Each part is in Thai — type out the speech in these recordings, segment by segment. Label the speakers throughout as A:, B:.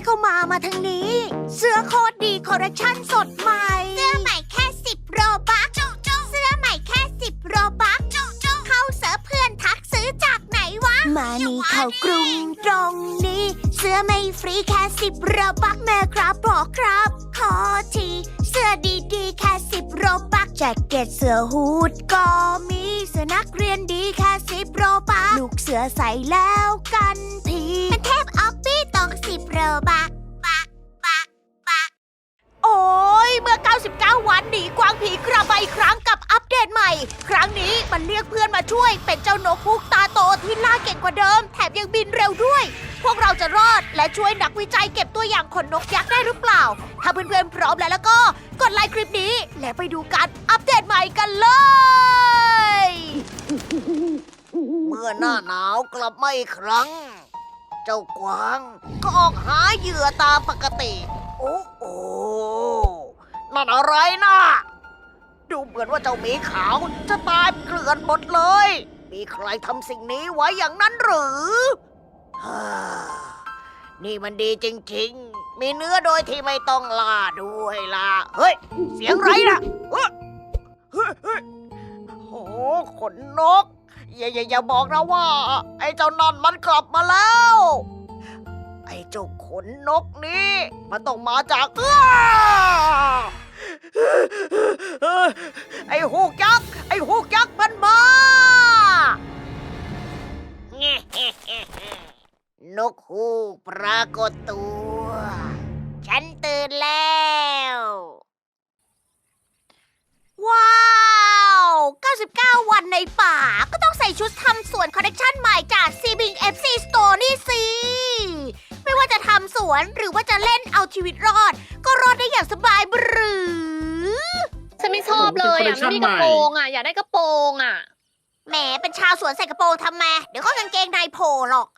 A: ก็มาทางนี้ เสื้อโคตรดีคอลเลคชั่นสดใหม่ เสื้อใหม่แค่10 โรบัคเสื้อใหม่แค่10 โรบัคเข้าเสิร์ฟเพื่อนทักซื้อจากไหนวะ มานี่เข้ากรุงตรงนี้ เสื้อไม่ฟรีแค่10 โรบัคแม่ครับบอกครับ ขอทีเสื้อดีๆแค่10 โรบัคแจ็คเก็ตเสื้อฮูดก็มีเสื้อนักเรียนดีแค่10 โรบัคลูกเสือใส่แล้วกันทีเป็นเทพออฟฟี่ต้อง10 โรบัคโอ้ยเมื่อ 99 วันหนีกวางผีกระบายครั้งกับอัปเดตใหม่ ครั้งนี้มันเรียกเพื่อนมาช่วยเป็นเจ้านกฮูกตาโตที่ล่าเก่งกว่าเดิมแถมยังบินเร็วด้วย พวกเราจะรอดและช่วยนักวิจัยเก็บตัวอย่างขนนกยักษ์ได้หรือเปล่า ถ้าเพื่อนๆพร้อมแล้วก็กดไลค์คลิปนี้และไปดูการอัปเดตใหม่กันเลย เมื่อหน้าหนาวกลับมาอีกครั้ง เจ้ากวางก็ออกหาเหยื่อตามปกติ โอ้โอ้นั่นอะไรนะดูเหมือนว่าเจ้าหมีขาวจะตายเกลื่อนหมดเลย มีใครทำสิ่งนี้ไว้อย่างนั้นหรือฮ่านี่มันดีจริงๆ มีเนื้อโดยที่ไม่ต้องล่าด้วยล่ะ เฮ้ย เสียงไรนะเฮ้ยโอ้ขนนก อย่าบอกนะว่า ไอ้เจ้านั่นมันกลับมาแล้ว ไอ้เจ้าขนนกนี่มันต้องมาจากไอ้ฮูกยักษ์มันมา นกฮูกปรากฏตัว ฉันตื่นแล้ว ว้าว 99 วันในป่าก็ต้องใส่ชุดทำสวนคอลเลคชันใหม่จาก Seabing FC Store นี่สิ ไม่ว่าจะทำสวนหรือว่าจะเล่นเอาชีวิตรอด ก็รอดได้อย่างสบายบรือ
B: ฉันไม่ชอบเลยอ่ะ ไม่มีกระโปรงอ่ะ อยากได้กระโปรงอ่ะ
A: แหมเป็นชาวสวนใส่กระโปรงทำไม เดี๋ยวก็กางเกงในโผล่หรอก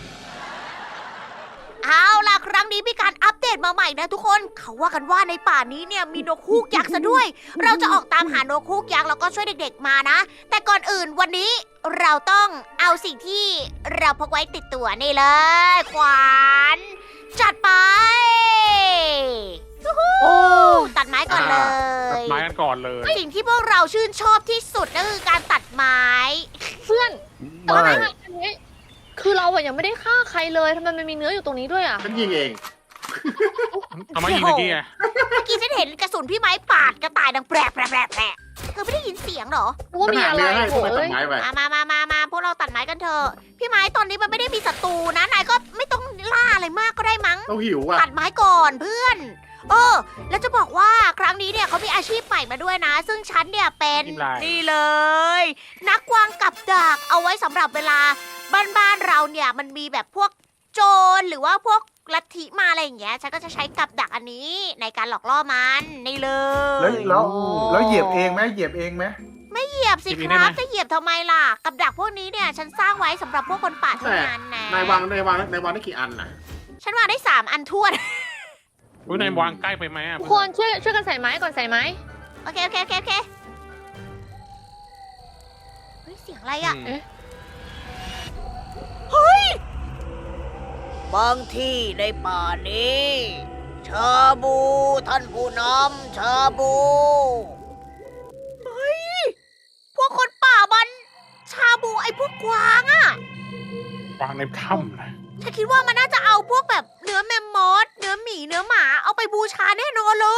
A: เอาล่ะครั้งนี้มีการอัปเดตมาใหม่นะทุกคน เขาว่ากันว่าในป่านี้เนี่ยมีนกฮูกยักษ์ซะด้วย เราจะออกตามหานกฮูกยักษ์แล้วก็ช่วยเด็กๆมานะ แต่ก่อนอื่นวันนี้เราต้องเอาสิ่งที่เราพกไว้ติดตัวนี่เลย ขวานจัดไปยูฮู
C: โอ้
A: ตัดไม้ก่อนเล
C: ตัด
A: ย
C: ไม้กันก่อนเลย
A: สิ่งที่พวกเราชื่นชอบที่สุดก็คือการตัดไม้
B: เพื่อนตอน
C: ไม่
B: นั้นอันนี้คือเราอะยังไม่ได้ฆ่าใครเลยทำไมมันมีเนื้ออยู่ตรงนี้ด้วยอ่ะ
D: ฉันยิงเอง
C: เอามายิงตะกี้ไง
A: เมื่อกี้ฉันเห็นกระสุนพี่ไม้ปาดกระต่ายดังแปรเธอไม่ได้ยินเสียงเหรอ
B: รู้ว่ามีอะไร
D: ให้
B: โห
D: ทำไมตั
B: เอ้
D: ด
B: ย
D: ไม้ไป
A: มาพวกเราตัดไม้กันเถอะพี่ไม้ตอนนี้มันไม่ได้มีศัตรูนะนายก็ไม่ต้องล่าอะไรมากก็ได้มั้ง
D: ต้องหิวอ่ะ
A: ตัดไม้ก่อนเพื่อนแล้วจะบอกว่าครั้งนี้เนี่ยเขามีอาชีพใหม่มาด้วยนะ ซึ่งฉันเนี่ยเป็นนี่เลย นักวางกับดักเอาไว้สำหรับเวลาบ้านเราเนี่ยมันมีแบบพวกโจรหรือว่าพวกลัทธิมาอะไรอย่างเงี้ยฉันก็จะใช้กับดักอันนี้ในการหลอกล่อมันนี่เลย
D: แล้วเหยียบเองไหมเหยียบเองไหม
A: เหยียบสิครับจะเหยียบทำไมล่ะกับดักพวกนี้เนี่ยฉันสร้างไว้สำหรับพวกคนป่าเท่านั้นนะ
D: นายวางได้กี่อันน่ะ
A: ฉันวางได้3 อันท้วน
C: อุ้ยนายวางใกล้ไปไหมอ่ะ
B: ทุกคนช่วยกันใส่ไม้ก่อนใส่ไม้
A: โอเคเฮ้ยเสียงอะไรอ่ะ
B: เอ๊ะ
A: เฮ้ยบางที่ในป่านี้ชาบูท่านผู้นำชาบูเฮ้ยพวกคนป่ามันชาบูไอ้พวกกวางอ่ะ
C: วางในถ้ำนะ
A: ฉันคิดว่ามันน่าจะเอาพวกแบบเนื้อแมมมอสเนื้อหมีเนื้อหมาเอาไปบูชาแน่นอนเลย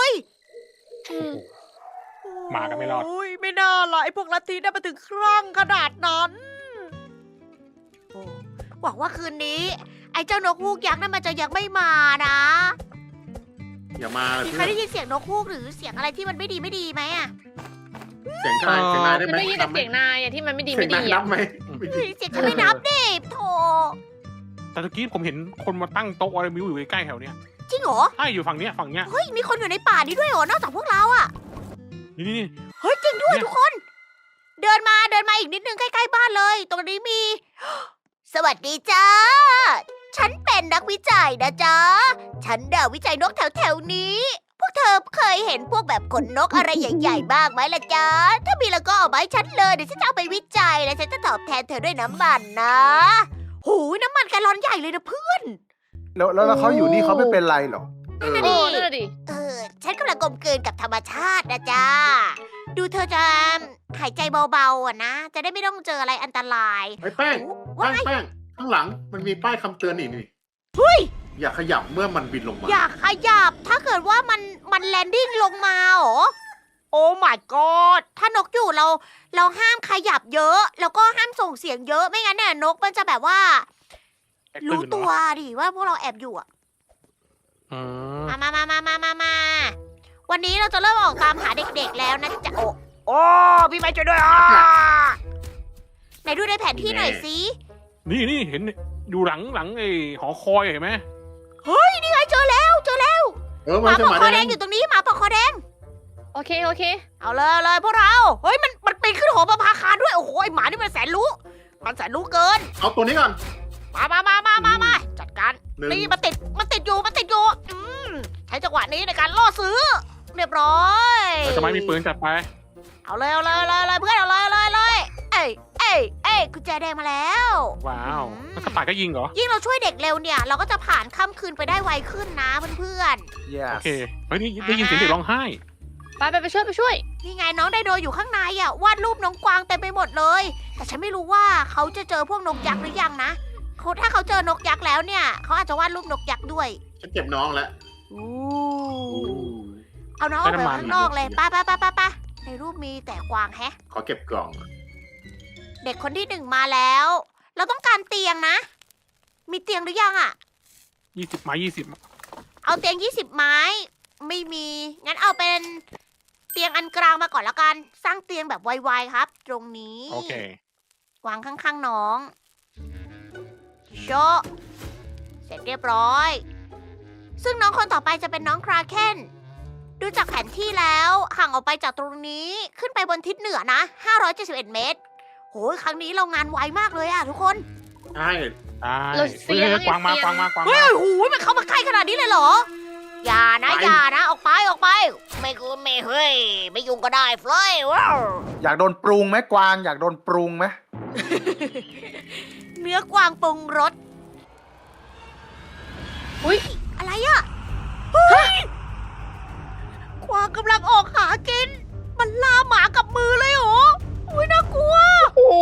C: หมาก็ไม่รอด
A: โอ้ยไม่น่าละไอ้พวกลัทธิได้มาถึงครั่งขนาดนั้นโอ้หวังว่าคืนนี้ ไอ้เจ้านกฮูกยักษ์นั่นมันจะยังไม่มานะ
D: อย่ามาเลย
A: มีใครได้ยินเสียงนกฮูกหรือเสียงอะไรที่มันไม่ดีไหมอะ
D: เสียงนายได้
B: ฉัน
D: ไหม
B: ได้ยินแต่เสียงนายอะที่มันไม่ดี
D: เสีย
B: ไม่
D: ง
B: ดี
D: นายนั
B: อะ
D: บไหม
A: เฮ้ยเสียงฉันไม่นับดิโถ
C: แต่ตะกี้ผมเห็นคนมาตั้งโต๊ะอะไรไมิวอยู่ใกล้ๆแถวเนี้ย
A: จริงเหรอ
C: ใช่อยู่ฝั่งเนี้ย
A: เฮ้ยมีคนอยู่ในป่านี้ด้วยเหรอนอกจากพวกเราอะ
C: นี่
A: เฮ้ยจริงด้วย
C: เนี่ย
A: ทุกคน เดินมาอีกนิดนึงใกล้ๆบ้านเลย ตรงนี้มี สวัสดีจ้า ฉันเป็นนักวิจัยนะจ๊ะ ฉันวิจัยนกแถวๆนี้ พวกเธอเคยเห็นพวกแบบขนนกอะไรใหญ่ๆบ้างไหมล่ะจ๊ะ ถ้ามีแล้วก็เอามาให้ฉันเลย เดี๋ยวฉันจะเอาไปวิจัยและฉันจะตอบแทนเธอด้วยน้ำมันนะหูยน้ำมันแกลลอนใหญ่เลยนะเพื่อน
E: แล้วเขาอยู่นี่เขาไม่เป็นไรหรอ
D: เออ
B: เออนั่นนะดิ
A: ฉันกำลังกลมกลืนกับธรรมชาตินะจ๊ะ ดูเธอจะหายใจเบาๆอ่ะนะ จะได้ไม่ต้องเจออะไรอันตราย
D: ไอ้แป้ง
A: ว่าไง
D: แป้งข้างหลังมันมีป้ายคำเตือนนี่
A: เฮ้ย
D: อย่าขยับเมื่อมันบินลงมา
A: อย่าขยับ ถ้าเกิดว่ามันแลนดิ้งลงมาเหรอ โอ้ my god ถ้านกอยู่เราห้ามขยับเยอะ แล้วก็ห้ามส่งเสียงเยอะ ไม่งั้นเนี่ยนกมันจะแบบว่า
C: แอบ
A: รู้
C: ตื่นเหร
A: ตั
C: อ
A: วดิว่าพวกเราแอบอยู่อ่ะ
C: อืม
A: มา วันนี้เราจะเริ่มออกตามหาเด็กๆแล้วนะจ๊ะ โอ้พี่ไม้ช่วยด้วยอ่ะไหนดูในแผนที่หน่อยสิ
C: นี่เห็นอยู่หลังไอ้หอคอยเห็นไหม
A: เฮ้ย นี่ไงเจอแล้ว
D: เออ
A: ห
D: มา
A: มา
D: จะ
A: ปอก
D: มา
A: คอ
D: ได้
A: แดงอยู่ตรงนี้หมาปอกคอแดง
B: โอเค
A: เอาเลยพวกเรา เฮ้ยมันปีนขึ้นหอประภาคารด้วย โอ้โหไอหมานี่มันแสนรู้ มันแสนรู้เกิน
D: เอาตัวนี้ก่อน
A: มาจัดการ
D: หนึ่ง
A: นี่มันติดอยู่ใช้จังหวะนี้ในการล่อซื้อ เรียบร้อย
C: ทำไมมีปืนจัดไป
A: เอาเลยเพื่อนเอาเลยเอ้ยกุญแจแดงมาแล้ว
C: ว้าวแล้วกระต่ายก็ยิงเหรอ
A: ยิ่งเราช่วยเด็กเร็วเนี่ย เราก็จะผ่านค่ำคืนไปได้ไวขึ้นนะเพื่อน
E: yes
C: โอเคเฮ้ยนี่ได้ยินเสียงเด็กร้องไห้
B: ไปช่วย
A: ๆนี่ไงน้องไดโนอยู่ข้างในอ่ะวาดรูปน้องกวางเต็มไปหมดเลย แต่ฉันไม่รู้ว่าเขาจะเจอพวกนกยักษ์หรือยังนะถ้าเขาเจอนกยักษ์แล้วเนี่ยเขาอาจจะวาดรูปนกยักษ์ด้วย
D: ฉันเก็บน้องแล้ว
A: เอาน้องออกไปข้างนอกเลยไปในรูปมีแต่กวางแฮะ
D: ขอเก็บกล่อง
A: เด็กคนที่หนึ่งมาแล้ว เราต้องการเตียงนะ มีเตียงหรือยังอ่ะ
C: 20 ไม้ 20
A: เอาเตียง20 ไม้ ไม่มี งั้นเอาเป็นเตียงอันกลางมาก่อนแล้วกัน สร้างเตียงแบบไวๆครับ ตรงนี้
C: โอเค
A: วางข้างๆน้องโชะเสร็จเรียบร้อย ซึ่งน้องคนต่อไปจะเป็นน้องคราเคนดูจากแผนที่แล้วห่างออกไปจากตรงนี้ขึ้นไปบนทิศเหนือนะ 571 เมตร โหยครั้งนี้เรางานไวมากเลยอะทุกคน
D: ใช่
C: ได้
B: เราเสีย
C: ฮ้กวางมากวางมา
A: เฮ้ยโอ้โหมันเข้ามาใกล้ขนาดนี้เลยเหรอ อย่านะ ออกไป ไม่กูไม่เฮ้ย ไม่ยุ่งก็ได้เฟลยว้าว
E: อยากโดนปรุงไหมกวางอยากโดนปรุงไหม
A: เนื้อกวางปรุงรส
B: อุ๊ย
A: อะไรอะเฮ้ย กวางกำลังออกหากิน มันล่าหมากับมือเลยเหรอ อุ้ยน่ากลัว
B: โอ้โห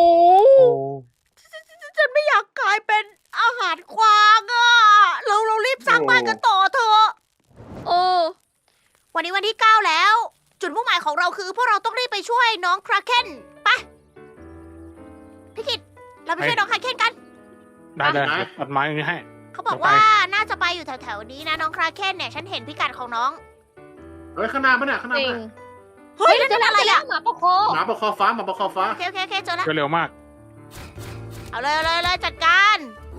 A: ฉันไม่อยากกลายเป็นอาหารกวางอะเรารีบสร้างบ้านกันต่อเถอะ
B: เออ
A: วันนี้วันที่ 9 แล้ว จุดมุ่งหมายของเราคือพวกเราต้องรีบไปช่วยน้องคราเคนไปพี่กิตเราไปช่วยน้องคราเคนกัน
C: ได้ตัดไม้ตรงนี้ให้
A: เขาบอกว่าน่าจะไปอยู่แถวๆนี้นะน้องคราเคนเนี่ยฉันเห็นพิกัดของน้อง
D: เฮ้ยข้างหน้าปะเนี่ยข้างหน้า
B: จริ
D: ปะ
B: ง
D: เนี่ย
A: เฮ้ยนั่น
B: เจอ
A: เป็น
B: แล้ว
A: อะไรอะ
B: หมาปะคอ
D: หมาปะคอฟ้าหมาปะคอฟ้า
A: โอเคเจอแล้ว
C: เร็วมาก
A: เอาเลยจัดการ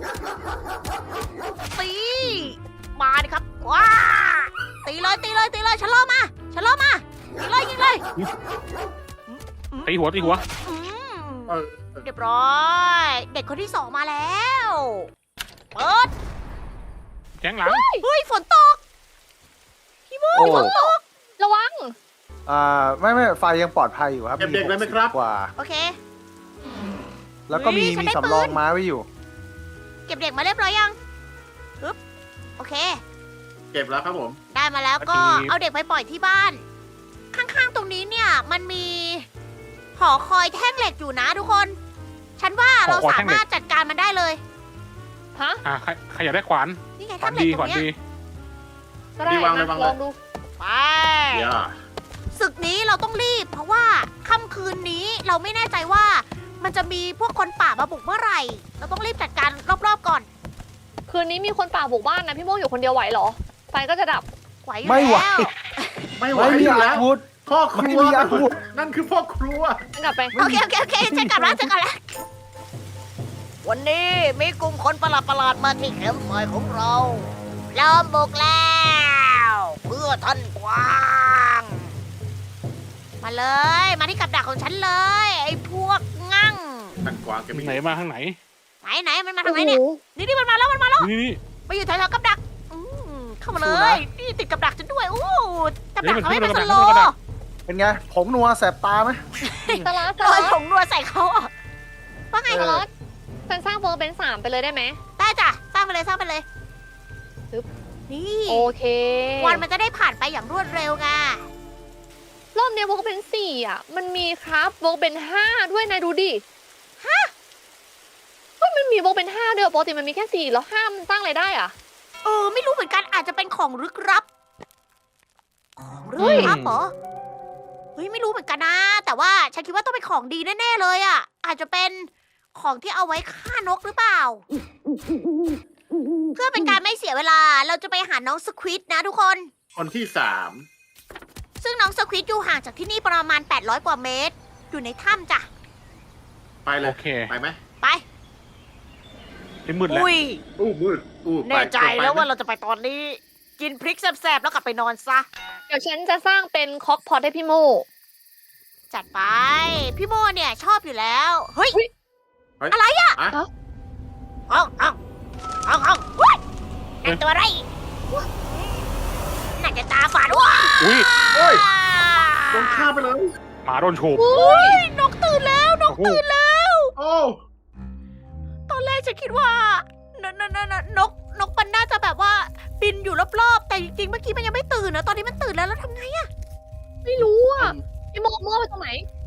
A: ตีมาดิครับว้าตีเลยฉันล่อมายิงเลย
C: ตีหัว
A: อืม
D: เออ
A: เรียบร้อย เด็กคนที่ 2มาแล้วเปิด
C: แจ้งหลัง
A: เฮ้ยฝนตกพี่โม
E: โอ้
A: ฝนตก
B: ระวัง
E: ไม่ไฟยังปลอดภัยอยู่ครับ
D: เก็บเด็กเลยไหมครับ
E: กว่า
A: โอเค
E: แล้วก็มี
A: เฮ้ยฉันได้
E: สำรอง
A: ปืน
E: ไม้ไว้อยู่
A: เก็บเด็กมาเรียบร้อยยังปึ๊บโอเค
D: เก็บแล้วครับผม
A: ได้มาแล้วก็
C: โอเค
A: เอาเด็กไปปล่อยที่บ้าน ข้างๆตรงนี้เนี่ยมันมีหอคอยแท่งเหล็กอยู่นะทุกคน ฉันว่าเราสามารถจัดการมันได้เลย
B: ฮะ
C: ใครอยากได้ขวาน
A: นี่ไง
C: ขวา
A: แท่
C: น
A: งเหล็กตร
C: ดีขวาน
A: งเนี้ย
C: ดี
B: ก็ได้
D: ดีวาง
B: นะ
D: เลยวาง
B: ล
D: เลย
B: องดู
A: ไป
D: อย่า
A: ศึกนี้เราต้องรีบ เพราะว่าค่ำคืนนี้เราไม่แน่ใจว่า มันจะมีพวกคนป่ามาบุกเมื่อไหร่ เราต้องรีบจัดการรอบๆก่อน
B: คืนนี้มีคนป่าบุกบ้านนะพี่โมงอยู่คนเดียวไหวเหรอ ไฟก็จะดับ
A: ไหวอยู่
E: ไม่ไหว
A: แล้ว
D: ไม่ไหว
E: ไม่มี
D: อยู่
E: อา
D: แล้ว
E: วุธ
D: พ่อครัว
E: ไม่มีอาวุธ
D: นั่นคือพ่อครัว
B: กลับไป
A: โอเคฉันกลับแล้ววันนี้มีกลุ่มคนประหลาดมาที่แคมป์ไฟของเราล้อมบุกแล้ว เพื่อท่านกวางมาเลยมาที่กับดักของฉันเลย ไอ้พวกงั่ง
D: ท่านกวางแกไม่
C: ไหนมาข้างไหน
A: ไหนมันมาทางไหนเนี่ยนี่มันมาแล้ว
C: นี่
A: มาอยู่แถวๆกับดักเข้ามาเลย นี่ติดกับดักฉันด้วยโอ้กับดัก
C: นี่มัน
A: เขาไม่เป็น
C: ขึ้
A: ส
C: น
A: โล
C: กับดัก
E: เป็นไงผงนัวแสบตาไหม
B: สลัด
A: โรยผงนัวใส่เขาอ่ะว่าไง
B: สลัดฉันสร้างเวอร์เป็น3ไปเลยได้ไหม
A: ได้จ้ะสร้างไปเลยนี่
B: โอเค
A: วันมันจะได้ผ่านไปอย่างรวดเร็วไง
B: รอบเนี้ยวกเป็น4อ่ะ มันมีครับวกเป็น5ด้วยนายดูดิเฮ้ยมันมีวกเป็น5ด้วยปกติมันมีแค่4แล้ว5มันตั้งอะไรได้อ่ะ
A: ไม่รู้เหมือนกันอาจจะเป็นของลึกลับ ของลึกลับเหรอ เฮ้ยไม่รู้เหมือนกันนะ แต่ว่าฉันคิดว่าต้องเป็นของดีแน่ๆเลยอ่ะ อาจจะเป็นของที่เอาไว้ฆ่านกหรือเปล่า เพื่อเป็นการไม่เสียเวลา เราจะไปหาน้องสควิดนะทุกคน
D: คนที่ 3
A: ซึ่งน้องสควิดอยู่ห่างจากที่นี่ประมาณ 800 กว่าเมตร อยู่ในถ้ำจ้ะ
D: ไปเล
C: โอย เค
D: ไปไหม
A: ไป
C: ที่มืดแล้ว
D: อู้มืดอู้ไป
A: แน่ใจ
D: ไป
A: แล้ว
D: ไหม
A: ว่าเราจะไปตอนนี้ กินพริกแซ่บๆแล้วกลับไปนอนซะ
B: เดี๋ยวฉันจะสร้างเป็นคอกพอตให้พี่โม
A: จัดไป พี่โมเนี่ยชอบอยู่แล้ว เฮ้ย
D: เฮ้ย
A: อะไรอ่ะ
D: อะ
A: เอาเฮ้ยนั่นตัวอะไรน่าจะตาฝาดว้า
C: อุ้ย
D: เฮ้ยโดนฆ่าไปเลย
C: หมาโดนโฉบ
A: อุ้ยนกตื่นแล้วนก
C: โอ้โห
A: ตื่นแล้ว
D: โอ้
A: ตอนแรกฉันคิดว่านกมันน่าจะแบบว่าบินอยู่รอบๆ แต่จริงๆเมื่อกี้มันยังไม่ตื่นนะตอนนี้มันตื่นแล้วแล้วทำไงอะ
B: ไม่รู้อ่ะ พี่โมไปตรงไหน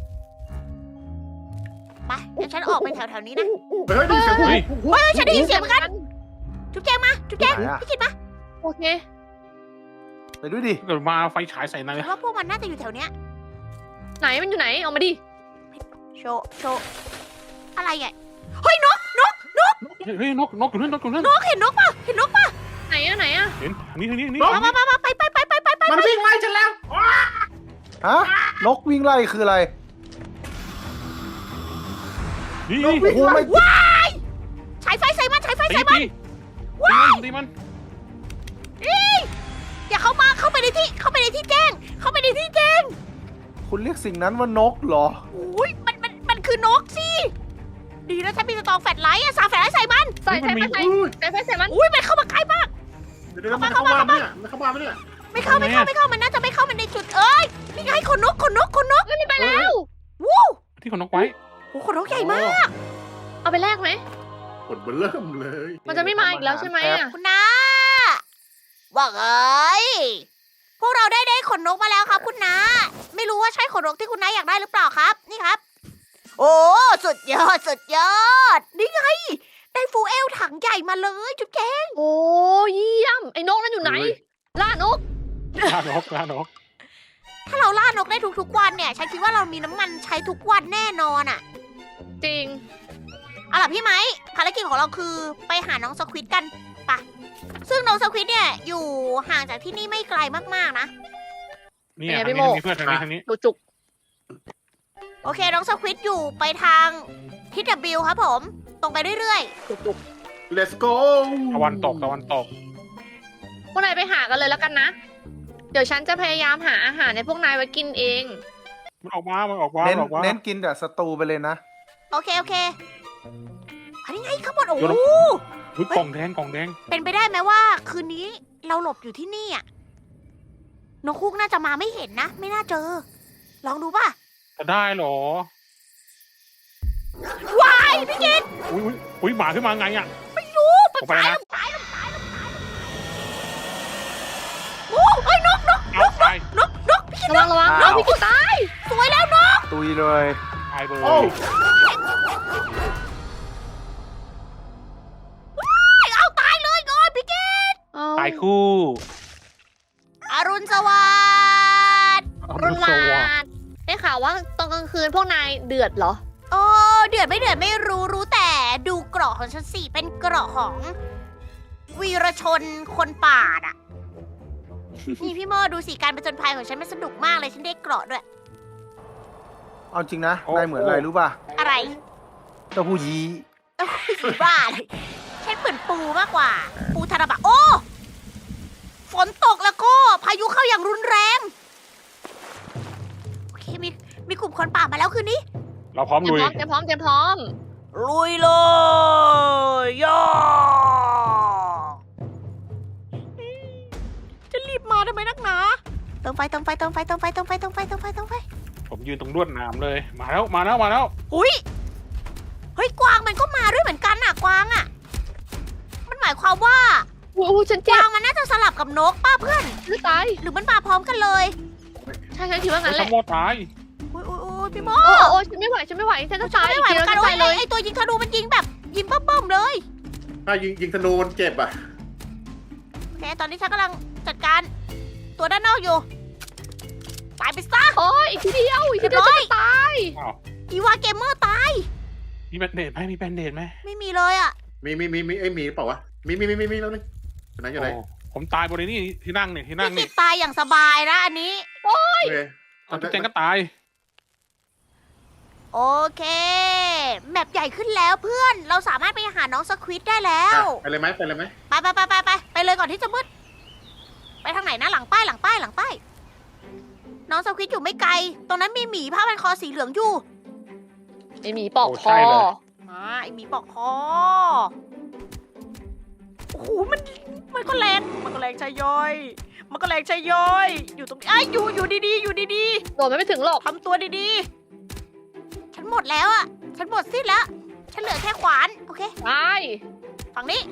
A: ไปเดี๋ยวฉันออกไปแถวๆนี้นะ
D: เฮ้ยได้ยินเสียง
C: เฮ้ย
A: เฮ้ยฉันได้ยินเสียงเหมือนกันจุ๊บแจงมาจุ๊บแจง
E: ไหนอะ
A: พี่คิดมา
B: โอเค
E: ไปด้วยดิ
C: เกิดมาไฟฉายใส่นาย
A: ฉันว่าพวกมันน่าจะอยู่แถวเนี้ย
B: ไหนมันอยู่ไหนเอามาดิ
A: โชว์อะไรอ่ะเฮ้ยนก
C: เฮ้ยนกอยู่นั่นนกอยู่นั่น
A: นกเห็นนกป่ะเห็นนกป่ะ
B: ไหนอะไหนอะ
C: เห็นทางนี้ทางนี้ทางนี้
A: มาไป
D: มันวิ่งไล่ฉันแล้วอ้า
E: ฮะ นกวิ่งไล่คืออะไร
C: นี่
E: โอ้โหไม่
A: ว้ายฉายไฟใส่มันฉายไฟ
C: ตี
A: ใส่มัน
C: ตีมัน
A: อย่าเข้าไปในที่แจ้งเข้าไปในที่แจ้ง
E: คุณเรียกสิ่งนั้นว่านกเหรอ
A: อุ้ยมันคือนกสิดีนะฉันมีสตองแฟลชไลท์อะสาแฟลชไลท์ใส่มัน
B: ใส่ไฟใส่
D: อุ้ย
B: ใส่ไฟใส่มัน
A: อุ้ยมันเข้ามาใกล้มาก
D: เดี๋ยวมันเข้ามาไหมเนี่ยมันเข้ามาไหมเนี่ย
A: ไม่เข้ามันน่าจะไม่เข้ามันในจุดนี่ไงขนนก
B: ไม่มีไปแล้ว
A: วู้
C: ที่ของนกไว้
A: โอ้ขนนกใหญ่มาก
B: เอาไปแลกไหม
D: กดเบอร์เริ่มเลย
B: มันจะไม่มาอีกแล้วใช่ไหมอะ
A: คุณน้าว่าไงพวกเราได้ขนนกมาแล้วครับคุณน้าไม่รู้ว่าใช่ขนนกที่คุณน้าอยากได้หรือเปล่าครับ นี่ครับ โอ้สุดยอดนี่ไงได้ฟูเอลถังใหญ่มาเลยจุ๊บแจง
B: โอ้เยี่ยม ไอ้นกนั่นอยู่ไหน ล่านก
C: ล่านก
A: ถ้าเราล่านกได้ทุกๆวันเนี่ยฉันคิดว่าเรามีน้ำมันใช้ทุกวันแน่นอนอะ
B: จริง
A: เอาล่ะพี่ไหมภารกิจของเราคือไปหาน้องสควิดกันไปะซึ่งน้องสควิดเนี่ยอยู่ห่างจากที่นี่ไม่ไกลมากๆนะ
C: นี่
B: เป็นไง
C: ทาง
B: พี่
C: นี้
B: โม
C: ทางนี้เพื่อนทางนี้
B: ดูจุก
A: โอเคน้องสควิดอยู่ไปทางทิศ W ครับผม ตรงไปเรื่อย
B: จุก
D: Let's go
C: ตะวันตก
B: พวกนายไปหากันเลยแล้วกันนะ เดี๋ยวฉันจะพยายามหาอาหารในพวกนายไว้กินเอง
C: มันออกมามันออกมา
E: เน้นกินแต่สตูไปเลยนะ
A: ๆ โอเคอันนี้ไงข้างบนโอ้โห
C: อุ้ยกล่องแดง
A: เป็นไปได้ไหมว่า คืนนี้เราหลบอยู่ที่นี่อะนกคุกน่าจะมาไม่เห็นนะ ไม่น่าเจอ ลองดูป่ะ
C: จะได้เหรอ
A: วายพี่กิต
C: อุ้ยหมาขึ้นมาไงอ่ะ
A: ไม่รู้
C: ออกไปนะ
A: ตายโอ้เอ้ยนก
C: เอาตาย
A: พี่กิต
B: ระวัง
E: อ้าว
B: พี่กูตาย
A: สวยแล้วนก
E: ตุยเลย
C: ตายเลย
D: โอ้
A: เอาตายเลยก่อนพี่กิต
C: ตายคู่
A: อรุณสวัสดิ์
B: รุนวาดได้ข่าวว่าตอนกลางคืนพวกนายเดือดเหรอ
A: โอ้เดือดไม่รู้แต่ดูเกราะของฉันสิเป็นเกราะของวีรชนคนป่าอ่ะ นี่พี่โมดูสิการประจนภัยของฉันมันสนุกมากเลยฉันได้เกราะด้วย
E: เอาจริงนะนายเหมือนอะไรรู้ป่ะ
A: อะไร
E: เต้าหู้ยี้
A: เอ้าผีบ้าเลยฉันเหมือนปูมากกว่า ปูธนบัตรโอ้ฝนตกแล้วก็พายุเข้าอย่างรุนแรงโอเคมีกลุ่มคนป่ามาแล้วคืนนี้
C: เราพร้อม
B: เตรีย
C: ลุ
B: ม
C: ย
B: พร้อมเตรียมพร้อม
A: ลุยเลยย่าจะรีบมาทำไมนักหนาเติมไฟ
C: ผมยืนตรงลวดหนามเลย มาแล้ว
A: อุ้ยเฮ้ยกวางมันก็มาด้วยเหมือนกันน่ะกวางอ่ะ มันหมายความว่า
B: โอ้โหฉัน
A: ก
B: เจ็
A: วา
B: บ
A: งมันน่าจะสลับกับนกป้าเพื่อน
B: จะตาย
A: หรือมันมาพร้อมกันเลย
B: ใช่ฉันคิดว่างั้นแห
C: ข
B: ละ
C: โมยตาย
A: โอ้ยโอ้ยโอ้ยพี่โม
B: โอ้ฉันไม่ไหวฉันไม่ไหวฉันจะตาย
A: ไม่ไหวเหมือนกัน
B: ตายเลย
A: ไอ้ตัวยิงธนูมันยิงแบบยิงปั๊มๆเลย
D: ถ้ายิงธนูมันเจ็บอ่ะ
A: โอเคตอนนี้ฉันกำลังจัดการตัวด้านนอกอยู่ตายไปซะ
B: โอ้ยอีกทีเดียวฉันจะตาย
C: อ้าว
A: อีวาเกมเมอร์ตาย
C: มีแบนเดดไหมมีแบนเดดไหม
A: ไม่มีเลยอ่ะ
D: มีไอ้ยมีหรือเปล่าวะมีแล้วนึงอยู่ไหนอยู่ไหน
C: โอ้ผมตายบนนี้ที่นั่งเนี่ยที่นั่ง
A: พี่
C: นี่
A: กิตตายอย่างสบายนะอันนี้
D: โอเค
C: เอาจุ๊บแจงก็ตาย
A: โอเค แมปใหญ่ขึ้นแล้วเพื่อน เราสามารถไปหาน้องสควิตได้แล้ว
D: ไปเลยไหม
A: ไปเลยก่อนที่จะมืด ไปทางไหนนะหลังป้าย น้องสควิตอยู่ไม่ไกล ตรงนั้นมีหมีผ้าพันคอสีเหลืองอยู่
B: ไอหมีปอก
C: โอ้
B: ค
C: ใช่
B: อ
C: เลย
A: ไอหมีปอกคอ โอ้โหมันก็แรง ใช่ย่อย อยู่ตรงนี้อยู่ดีๆ
B: โดดไม่ถึงหรอก
A: ทำตัวดีๆ ฉันหมดแล้วอะฉันหมดสิ้นแล้ว ฉันเหลือแค่ขวาน โอเค
B: ตาย
A: ฝั่งนี้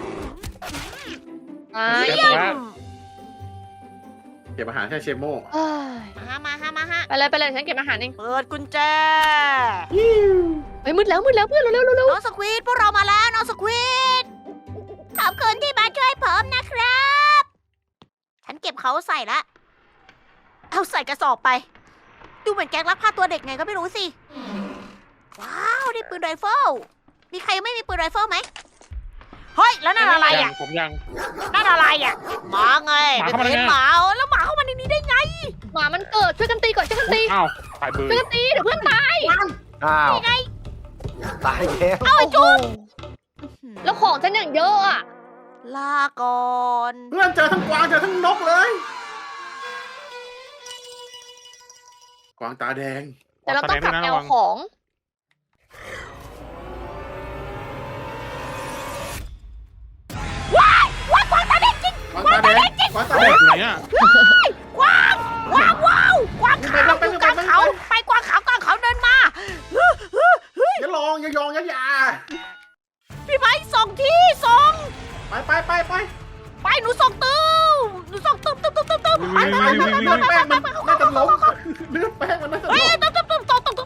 B: ตาย
C: เจ็บ
A: เยี่ย
C: แล้ว
A: ม
D: เก็บอาหารแค่เชโม่
B: เอ้ย
A: มาฮะ
B: ไปเลยฉันเก็บอาหารเอง
A: เปิดกุญแจ
B: เฮ้ยมืดแล้วเพื่อนเร็ว
A: น้องสควีดพวกเรามาแล้วน้องสควีดขอบคุณที่มาช่วยผมนะครับ ฉันเก็บเขาใส่ละเอาใส่กระสอบไป ดูเหมือนแก๊งลักพาตัวเด็กไงก็ไม่รู้สิ ว้าวได้ปืนไรเฟิลมีใครยังไม่มีปืนไรเฟิลไหมเฮ้ยแล้วนั่นอะไร
C: ยั
A: อ่ะ
C: งผมยัง
A: นั่นอะไรอ่ะหมาไง
C: หมา
A: เป็น
C: เข้ามาได้
A: เห็น
C: ไง
A: หมาแล้วหมาเข้ามาในนี้ได้ไง
B: หมามันเกิดช่วยกันตีก่อนช่วยกันตี
C: อ้าวตายเบอร์
B: ช่วยกันตีเดี๋ยวเพื่อนตาย
E: อ้าว
A: นี่ไง
E: ตายแล้ว
A: เอาไอ้จุ๊บ
B: แล้วของฉันอย่างเยอะอ่ะ
A: ลาก่อน
D: เพื่อนเจอทั้งกวางเจอทั้งนกเลย กวางตาแดง
B: แต่เราต้องกลับ
C: แส
B: แน
C: ด
B: ว
C: ระวัง
B: ของ
A: ว้าวกวางตาแดงจริง
D: กวางตาแดงกวางตาแดง
C: อยู่ไหนอ่ะ
A: กวางว้าวกวางขาว
D: ไป
A: อยู่กลางเขาไปกวางขาวกลางเขาเดินมา
D: อย่าลองอย่ายองอย่า
A: พี่ไม้ส่งที่ส่ง
D: ไป
A: ไปหนูส่งตื้มหนูส่งตื้ม
D: ไปเลือดแป้งมันน่าจะล้มเลือดแป้งมันน่าจะ
A: เฮ้ย
D: ล้ม
A: ตื้ม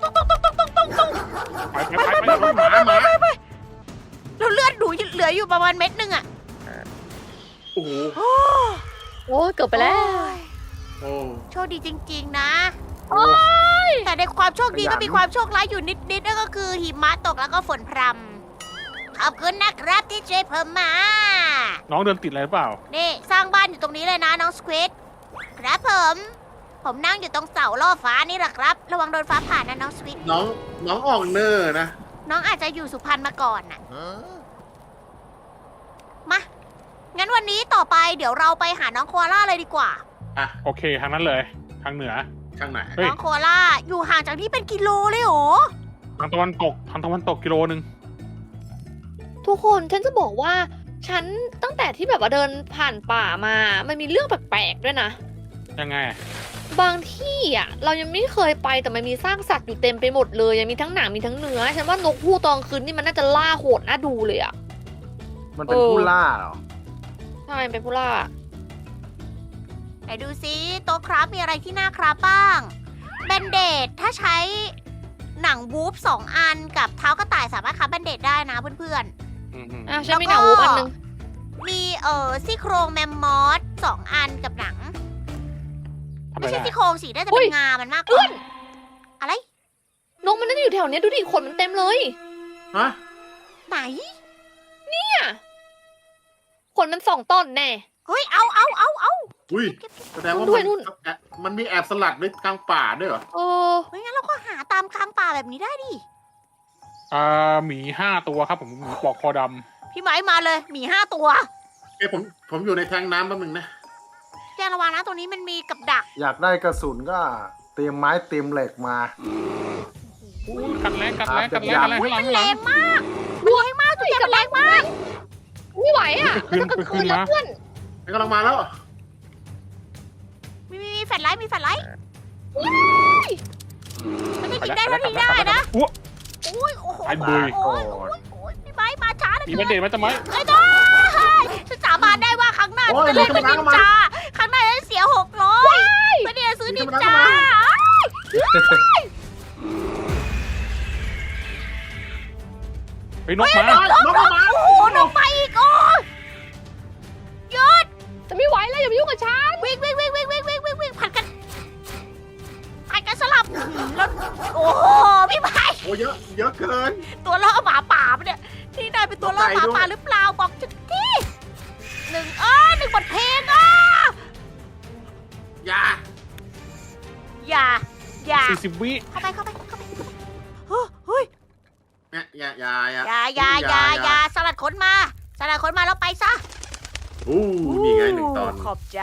C: ไปหมา
A: แล้วเลือดหนูเหลืออยู่ประมาณเม็ดนึงอ่ะ
D: โอ้โห
B: โอ้ยเกือบไปแล้ว
D: โอ้
A: โชคดีจริงๆนะ
D: โอ้
A: แต่ในความโชคดีก็มีความโชคร้ายอยู่นิดๆนั่นก็คือหิมะตกแล้วก็ฝนพรำขอบคุณนะครับที่ช่วยผมมา
C: น้องเดินติดอะไรหรือเปล่า
A: นี่สร้างบ้านอยู่ตรงนี้เลยนะน้องสควิดครับผมนั่งอยู่ตรงเสาล่อฟ้านี่แหละครับ ระวังโดนฟ้าผ่านะน้องสควิด
D: น้องออกเนอร์นะ
A: น้องอาจจะอยู่สุพรรณมาก่อนน่ะมางั้นวันนี้ต่อไปเดี๋ยวเราไปหาน้องโคอาล่าเลยดีกว่า
C: โอเคทางนั้นเลยทางเหนือ
D: ข้างไหน
C: เฮ้ย
A: น้องโคอาล่าอยู่ห่างจากที่เป็นกิโลเลยเหรอ
C: ทางตะวันตกกิโลนึง
B: ทุกคนฉันจะบอกว่า ฉันตั้งแต่ที่แบบว่าเดินผ่านป่ามา มันมีเรื่องแปลกๆด้วยนะ
C: ยังไง
B: บางที่อ่ะ เรายังไม่เคยไปแต่มันมีซากสัตว์อยู่เต็มไปหมดเลยยังมีทั้งหนังมีทั้งเนื้อ ฉันว่านกฮูกตอนคืนนี่มันน่าจะล่าโหดน่าดูเลยอ่ะ
E: มันเป็นผู้ล่าเหรอ
B: ใช่เป็นผู้ล่า
A: ไหนดูซิโต๊ะครับมีอะไรที่น่าครับบ้างแบนเดดถ้าใช้หนังวูฟ2 อันกับเท้ากระต่ายสามารถครับแบนเดดได้นะเพื่อน
C: อืม
B: อ่ะฉันมีหนังวูบอันนึง
A: ๆมีซี่โครงแมมมอส2 อันกับหนัง
C: ทำไม
A: ไม่ใช่
C: ได้
A: ซี่โครงสิน่าจะเป็นงามันมากกว่าอะไร
B: นกมันน่าจะอยู่แถวเนี้ยดูดิขนมันเต็มเลย
D: ฮะ
A: ไหน
B: เนี่ยขนมัน2 ต้นแน่
A: เฮ้ยเอา
D: อุ้ยแสดงว่า
B: ด้วยนู่น
D: มันมีแอบสลัดไว้กลางป่าด้วยเหรอ
B: เออ
A: ไม่งั้นเราก็หาตามกลางป่าแบบนี้ได้ดิ
C: หมี5 ตัวครับผมหมีปอกคอด
A: พี่ไม้มาเลยหมี5 ตัว
D: เอ้ยผมอยู่ในแทงน้ำแป๊บนึงนะ
A: แจ้งระวังนะตรงนี้มันมีกับดัก
E: อยากได้กระสุนก็เตรียมไม้เตรียมเหล็กมา
C: ำกันแรงข้างหลัง
A: มันแรงมากมันแรงมากจุดแจ้งมันแรงมาก
B: ไม่ไหวอ่ะ
C: ขึ้น
B: มันจะกลาง
C: ขึ้
B: คื
C: น
B: นแล้ว
C: มา
B: เพื่อน
D: กำลังมาแล้ว
A: มีแฟลชไลท์มันจะยิงได้เท่าที่ได้นะ
C: อุ๊ย
A: อุ้ยโอ้โห
C: ไอ้เบย
A: โอ้ยพี่ไม้มาช้านะ
C: มีแบนเดตมาทำไม
A: ไอ้ต้ยฉันสาบานได้ว่าครั้งหน้าฉันจะเล่นเป็นนินจาครั้งหน้าฉันเสีย600ไม่ได้ซื้อนินจา
C: เฮ้ยนกมา
D: น้องมา
A: โอ้โหนกไปอีกโอ้หยุด
B: จะไม่ไหวแล้วอย่ามายุ่งกับฉัน
A: วิ่งผัดกันสลับแล้วโอ้โหพี่ไม้
D: โอ้เยอะเเกิน
A: ตัวล่อหมาป่าปะเนี่ยที่นายเป็นตัวล่อหมาป่าหรือเปล่าบอกฉันทีหนึ่งบทเพลง
D: อย่า
A: อย่า
C: 40 วิ
A: เข้าไปเฮ้ย
D: เนี่ยอย่า
A: อย่าสลัดขนมาแล้วไปซะ
D: อู้นี่ไง1 ตอน
A: ขอบใจ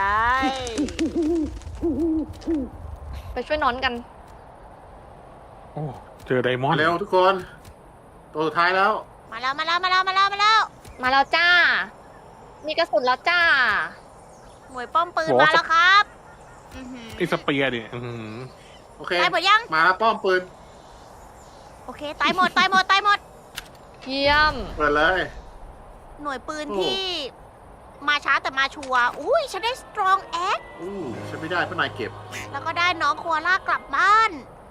B: ไปช่วยนอนกัน
C: โอ้เจอไดมอนด์
D: เร็วทุกคน ตัวสุดท้ายแล้ว
A: มาแล้ว
B: มาแล้วจ้า มีกระสุนแล้วจ้า
A: หน่วยป้อมปืนมาแล้วครับ
C: ไอ้สเปียร์เนี่ยอื้อหือ
D: โอเค
A: ตายหมดยัง
D: มาแล้วป้อมปืน
A: โอเคตายหมด
B: เยี่ยม
D: เปิดเลย
A: หน่วยปืน
D: โอ้
A: ที่มาช้าแต่มาชัวร์อุ้ยฉันได้ strong egg
D: อู้ฉันไม่ได้เพราะนายเก็บ
A: แล้วก็ได้น้องโคอาล่ากลับบ้าน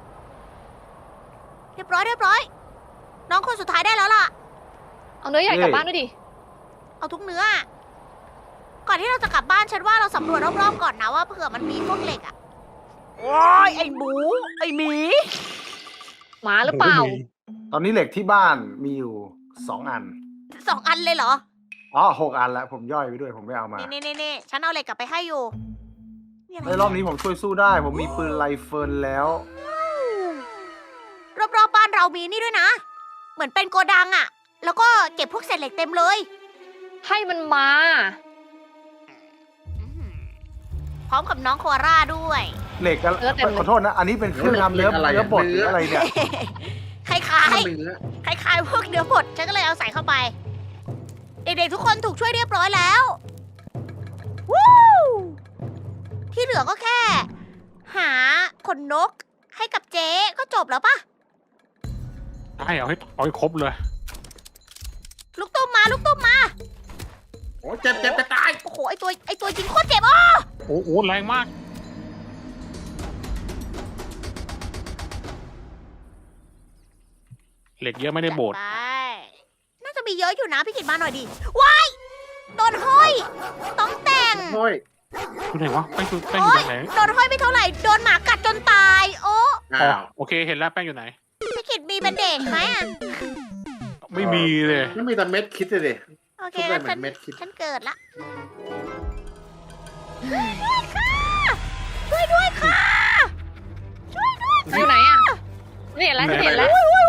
A: เรียบร้อย น้องคนสุดท้ายได้แล้วล่ะ
B: เอาเนื้อใหญ่กลับบ้านด้วยดิ
A: เอาทุกเนื้อ ก่อนที่เราจะกลับบ้านฉันว่าเราสำรวจรอบๆก่อนนะว่าเผื่อมันมีพวกเหล็กอะโอ้ยไอหมูไอหมี
B: หมาหรือเปล่า
E: ตอนนี้เหล็กที่บ้านมีอยู่2 อัน
A: 2 อันเลยเหรอ
E: อ๋อ6 อันแล้วผมย่อยไปด้วยผมไม่เอามา
A: นี่ฉันเอาเหล็กกลับไปให้อยู่นี่อะไร
E: ในรอบนี้ผมช่วยสู้ได้ ผมมีปืนไรเฟิลแล้ว
A: รอบๆบ้านเรามีนี่ด้วยนะ เหมือนเป็นโกดังอะแล้วก็เก็บพวกเศษเหล็กเต็มเลย
B: ให้มันมา
A: พร้อมกับน้องโคอาร่าด้วย
E: เหล็กอะ
B: เนื้อเต็มเลย
E: ขอโทษนะ อันนี้เป็นเครื่องทำเนื้อบดหรืออะไรเนี่ย
A: คล้าย
D: เนื้อ
A: ๆ คล้ายๆ พวกเนื้อบดฉันก็เลยเอาใส่เข้าไป เด็กๆทุกคนถูกช่วยเรียบร้อยแล้ววู้ที่เหลือก็แค่ หาขนนกให้กับเจ๊ก็จบแล้วปะ
C: ใช่เอาให้ครบเลย
A: ลูกตุ้มมา
D: โอ้เจ็บจะตาย
A: โอ้โห ไอตัวยิงโคตรเจ็บอ่ะ
C: โอ้โหแรงมาก เหล็กเยอะไม่ได้โบด
A: ไปน่าจะมีเยอะอยู่นะพี่กิตมาหน่อยดิว้ายโดนห้อย ต้องแต่ง
D: โอ้ย
C: อยู่ไหนวะแป้งอยู่
A: โอ๊ย
C: ตรงไหน
A: โดนห้อยไม่เท่าไหร่ โดนหมากัดจนตาย โอ้
C: อ๋อโอเคเห็นแล้วแป้งอยู่ไหน
A: พี่กิตมีแบนเดจไหมอ่ะ
C: ไม่มีเลย
D: ไม่มีแต่เม็ดคิดเลยดิ
A: โอเค
D: ทุกได้
A: งั้น
D: เหมือนเม็ดคิด
A: ฉันเกิดละช่วยด้วยค่ะ
B: อยู่ไหนอ่ะนี่เห็นแล้วฉันเห็นแล้ว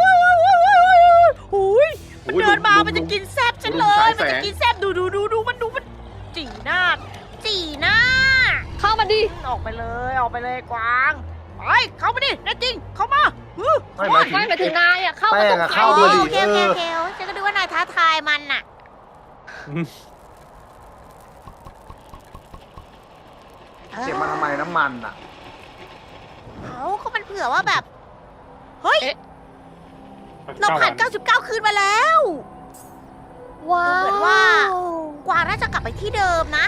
A: หุยมันเดินมา มันจะกินแซบฉันเลย มันจะกินแซบดูมันจีหน้า
B: เข้ามาดิ
A: ออกไปเลยกวางไปเข้ามาดิแน่จริง เข้ามา
E: ไม่หมายถึง
B: ไม่หมายถึงนายอ่ะ เข้ามา
E: แป้
B: ตรง ง
E: อะ
B: ไฟ
E: เข้าด้วยดิ
A: โอเคฉันก็ดูว่านายท้าทายมันน่ะ
E: เก็บมาทำไมน้ำมันอ่ะ
A: เขามันเผื่อว่าแบบ เฮ้ย เราผ่าน 99 คืนมาแล้ว
B: ว้าว
A: เหมือนว่า กวางน่าจะกลับไปที่เดิมนะ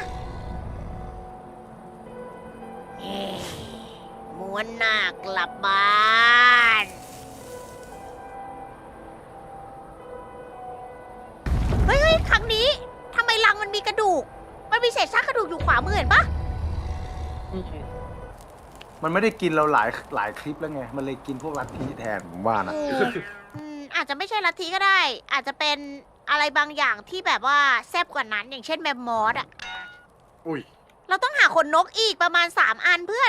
A: ม้วนหน้ากลับบ้านเฮ้ยครั้งนี้ทำไมรังมันมีกระดูก มันมีเศษซากกระดูกอยู่ขวามือเห็นปะ
E: มันไม่ได้กินเราหลายคลิปแล้วไง มันเลยกินพวกลัทธิแทนผมว่านะ
A: อาจจะไม่ใช่ลัทธิก็ได้ อาจจะเป็นอะไรบางอย่างที่แบบว่าแซ่บกว่านั้น อย่างเช่นแมมมอสอะ
D: อุ้ย
A: เราต้องหาขนนกอีกประมาณ 3 อันเพื่อน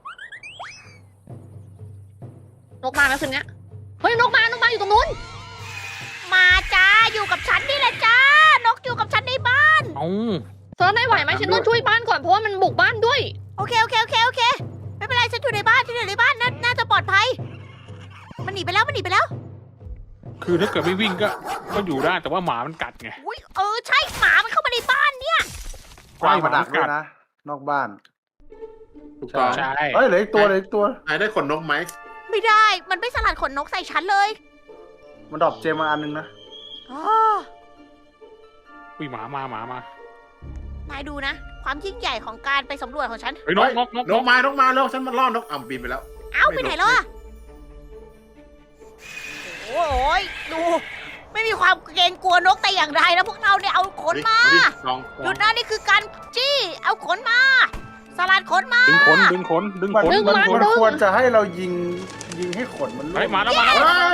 B: นกมาแล้วคืนเนี้ยเฮ้ยนกมาอยู่ตรงนู้น
A: มาจ้า อยู่กับฉันนี่แหละจ้า นกอยู่กับฉันในบ้าน
C: เอ้า
B: เธอได้ไหวไหมฉันต้องช่วยบ้านก่อนเพราะว่ามันบุกบ้านด้วย
A: โอเค ไม่เป็นไร ฉันอยู่ในบ้านน่าจะปลอดภัย มันหนีไปแล้ว
C: คือถ้าเกิดไม่วิ่งก็อยู่ได้แต่ว่าหมามันกัดไง
A: อุ้ยใช่หมามันเข้ามาในบ้านเนี่ย
E: กว้างมาดักด้วยนะ นอกบ้าน
D: ถูกต้อง
C: ใช่
E: เฮ้ยเหลืออีกตัว
D: นายได้ขนนกไหม
A: ไม่ได้ มันไม่สลัดขนนกใส่ฉันเลย
E: มันดรอปเจมมาอันนึงนะ
A: อ๋อ
C: อุ้ยหมามาหมามา
A: นายดูนะ ความยิ่งใหญ่ของการไปสำรวจของฉัน
C: เฮ้ยนกนกนก
D: นกมาแล้วฉันมาล่อนกอ่ำบินไปแล้ว
A: เอ้าไปไหนแล้วอะโอ้ยดู ไม่มีความเกรงกลัวนกแต่อย่างใดนะพวกเราเนี่ยเอาขนมา
D: ลอง
A: หยุดนะนี่คือการจี้เอาขนมา สลัดขนมา
C: ดึงขนดึงขนดึง
E: มัน
C: ขน
B: ดึง
E: มัน
B: มัน
E: มันควรจะให้เรายิงให้ขนมัน
C: เฮ้ยมา
E: ร่วง
C: แล้วมาแล้ว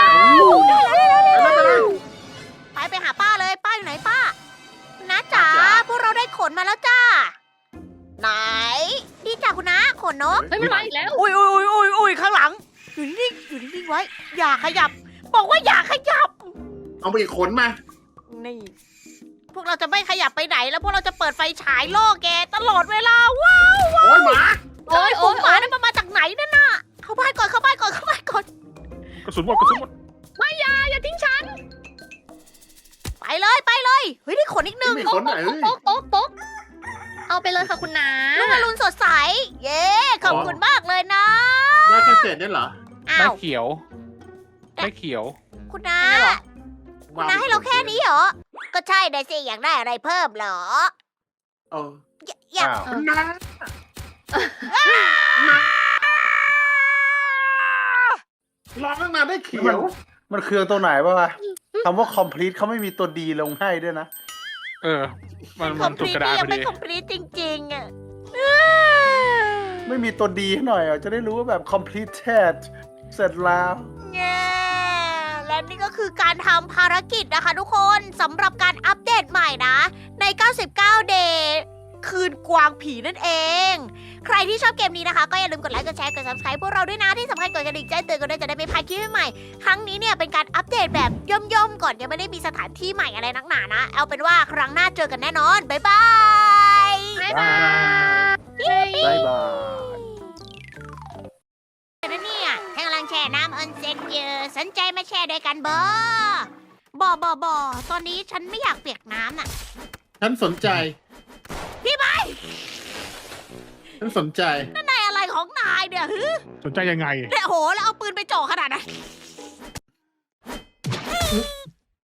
A: ไปหาป้าเลยป้าอยู่ไหนป้าน้าจ๋าพวกเราได้ขนมาแล้วจ้า ไหนนี่จ้าคุณน้าขนนก
B: เฮ้ยมันมาอีกแล้ว
A: อุ้ยข้างหลัง อยู่นิ่งไว้ อย่าขยับ บอกว่าอย่าขยับ
D: เอาไปอีกขนมา
A: นี่ พวกเราจะไม่ขยับไปไหนแล้วพวกเราจะเปิดไฟฉายล่อแกตลอดเวลาว้าว
D: โอ้ยหมา
A: โอ้ยหมานั่นมันมาจากไหนนั่นน่ะเข้าบ้านก่อน
C: กระสุนหมดกระสุนหมด
B: อย่าทิ้งฉัน
A: ไปเลย เฮ้ยได้ขนอีกหนึ่ง
D: มีขนไหน
B: ตกเอาไปเลยค่ะคุณน้า
A: ลูกอรุณสดใส เย้ขอบคุณมากเลยนะ
D: ได้แค่เศษเนี่ยเหรอ
A: อ้า
C: ได้
A: ว
C: เขียวได้เขียว
A: คุณน้าคุณน้าให้เราแค่นี้เหรอ ก็ใช่ได้สิอยากได้อะไรเพิ่มเหรอ
D: เออ
A: อยาก
E: อ้าว
D: นะ รอตั้งนานได้เขียว
E: มันเครื่องตัวไหนวะคำว่า complete เขาไม่มีตัวดีลงให้ด้วยนะ
C: เออ มัน
A: ค
C: มั
A: อน มพ
C: ถูก
A: ลี
C: กระดาษ
A: ยั
C: พ
A: ง
C: อ
A: ไม่
C: ดี
A: คอมพลีจริงๆอ่ะ
E: ไม่มีตัวดีให้หน่อยอ่ะจะได้รู้ว่าแบบ completed เสร็จแล้ว
A: แง่และนี่ก็คือการทำภารกิจนะคะทุกคนสำหรับการอัปเดตใหม่นะ ใน 99 Day คืนกวางผีนั่นเอง ใครที่ชอบเกมนี้นะคะ ก็อย่าลืมกดไลค์กดแชร์กด subscribe พวกเราด้วยนะ ที่สำคัญกดกระดิ่งแจ้งเตือนกันด้วยจะได้ไม่พลาดคลิปใหม่ๆครั้งนี้เนี่ยเป็นการอัปเดตแบบย่อมๆก่อนยังไม่ได้มีสถานที่ใหม่อะไรนักหนานะ เอาเป็นว่าครั้งหน้าเจอกันแน่นอนบ๊ายบาย
B: บ๊ายบาย
E: บ๊ายบาย
A: นะเนี่ยฉันกำลังแช่น้ำออนเซ็นอยู่สนใจมาแช่ด้วยกันบ่ตอนนี้ฉันไม่อยากเปียกน้ำน่ะ
D: ฉันสนใจ
A: พี่ไม้
D: ฉันสนใจ
A: นายอะไรของนายเนี่ยฮึ
C: สนใจยังไง
A: เนี่ยโหแล้วเอาปืนไปจ่อขนาดนั้น